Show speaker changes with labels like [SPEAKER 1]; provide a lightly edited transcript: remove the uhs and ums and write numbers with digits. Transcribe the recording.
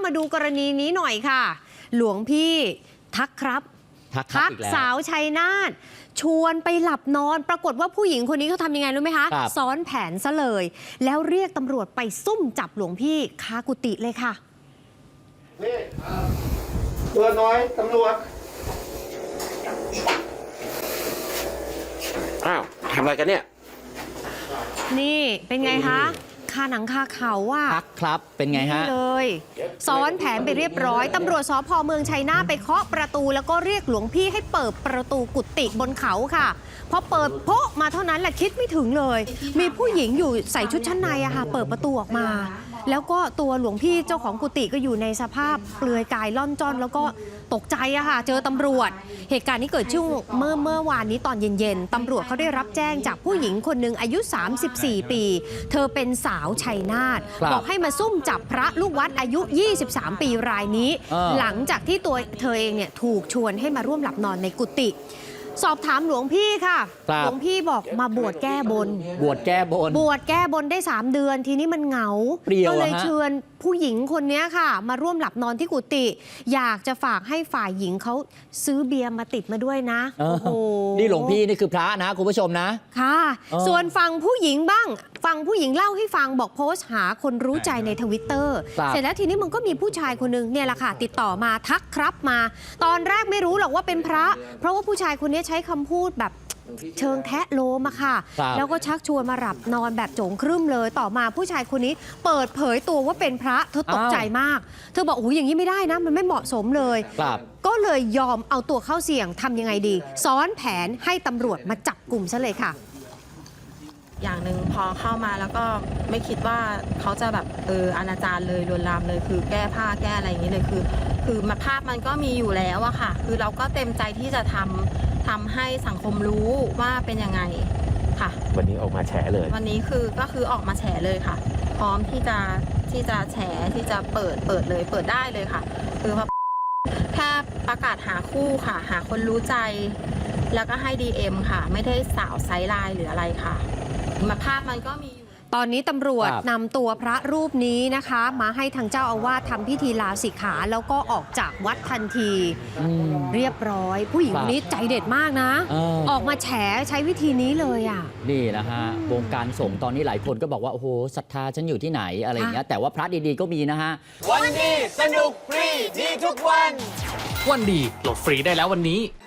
[SPEAKER 1] มาดูกรณีนี้หน่อยค่ะ หลวงพี่ทักครับทักสาวชัยนาทชวนไปหลับนอนปรากฏว่าผู้หญิงคนนี้เขาทำยังไงรู้ไหมคะซ้อนแผนซะเลยแล้วเรียกตำรวจไปซุ่มจับหลวงพี่คากุฏิเลยค่ะ
[SPEAKER 2] นี่ตัวน้อยตำรวจอ้าวทำอะไรกันเนี่ย
[SPEAKER 1] นี่เป็นไงคะคาหนังคาเขาว่า
[SPEAKER 3] ทักครับเป็นไงฮะ
[SPEAKER 1] เลยซ้อนแผนไปเรียบร้อยตำรวจสภ.เมืองชัยนาทไปเคาะประตูแล้วก็เรียกหลวงพี่ให้เปิดประตูกุฏิบนเขาค่ะพอเปิดโป๊ะมาเท่านั้นแหละคิดไม่ถึงเลยมีผู้หญิงอยู่ใส่ชุดชั้นในอะค่ะเปิดประตูออกมาแล้วก็ตัวหลวงพี่เจ้าของกุฏิก็อยู่ในสภาพเปลือยกายล่อนจ้อนแล้วก็ตกใจอะค่ะเจอตำรวจเหตุการณ์นี้เกิดช่วงเมื่อวานนี้ตอนเย็นๆตำรวจเขาได้รับแจ้งจากผู้หญิงคนหนึ่งอายุ34ปีเธอเป็นสาวชัยนาทบอกให้มาซุ่มจับพระลูกวัดอายุ23ปีรายนี้หลังจากที่ตัวเธอเองเนี่ยถูกชวนให้มาร่วมหลับนอนในกุฏิสอบถามหลวงพี่ค่ะหลวงพี่บอกมาบวชแก้บน
[SPEAKER 3] บวชแก้
[SPEAKER 1] บนได้3เดือนทีนี้มันเหงาก็เลยเชิญผู้หญิงคนนี้ค่ะมาร่วมหลับนอนที่กุฏิอยากจะฝากให้ฝ่ายหญิงเขาซื้อเบียร์มาติดมาด้วยนะ
[SPEAKER 3] โอ้โหนี่หลวงพี่นี่คือพระนะคุณผู้ชมนะ
[SPEAKER 1] ค่ะส่วนฝั่งผู้หญิงบ้างฝั่งผู้หญิงเล่าให้ฟังบอกโพสต์หาคนรู้ใจในTwitterเสร็จแล้วทีนี้มันก็มีผู้ชายคนนึงเนี่ยแหละค่ะติดต่อมาทักครับมาตอนแรกไม่รู้หรอกว่าเป็นพระเพราะว่าผู้ชายคนนี้ใช้คำพูดแบบเชิงแทะโลมอะค่ะแล้วก็ชักชวนมาหลับนอนแบบโจงครึ่มเลยต่อมาผู้ชายคนนี้เปิดเผยตัวว่าเป็นพระเธอตกใจมากเธอบอกโอ้ยอย่างนี้ไม่ได้นะมันไม่เหมาะสมเลยก็เลยยอมเอาตัวเข้าเสี่ยงทำยังไงดีซ้อนแผนให้ตำรวจมาจับกลุ่มซะเลยค่ะ
[SPEAKER 4] อย่างหนึ่งพอเข้ามาแล้วก็ไม่คิดว่าเขาจะแบบอนาจารเลยลวนลามเลยคือแก้ผ้าแก้อะไรอย่างนี้เลยคือมาภาพมันก็มีอยู่แล้วอะค่ะคือเราก็เต็มใจที่จะทำให้สังคมรู้ว่าเป็นยังไงค่ะ
[SPEAKER 2] วันนี้ออกมาแฉเลย
[SPEAKER 4] วันนี้ก็คือออกมาแฉเลยค่ะพร้อมที่จะแฉที่จะเปิดเลยเปิดได้เลยค่ะคือแค่ประกาศหาคู่ค่ะหาคนรู้ใจแล้วก็ให้ DM ค่ะไม่ได้สาวไซส์ไลน์หรืออะไรค่ะมาภาพมันก็มี
[SPEAKER 1] ตอนนี้ตำรวจนำตัวพระรูปนี้นะคะมาให้ทางเจ้าอาวาสทำพิธีลาสิกขาแล้วก็ออกจากวัดทันทีเรียบร้อยผู้หญิงคนนี้ใจเด็ดมากนะออกมาแฉใช้วิธีนี้เลยอ่ะ
[SPEAKER 3] นี่นะฮะวงการสงฆ์ตอนนี้หลายคนก็บอกว่าโอ้โหศรัทธาฉันอยู่ที่ไหนอะไรอย่างเงี้ยแต่ว่าพระดีๆก็มีนะฮะ
[SPEAKER 5] วันดีสนุกฟรีดีทุกวันวันดีโหลดฟรีได้แล้ววันนี้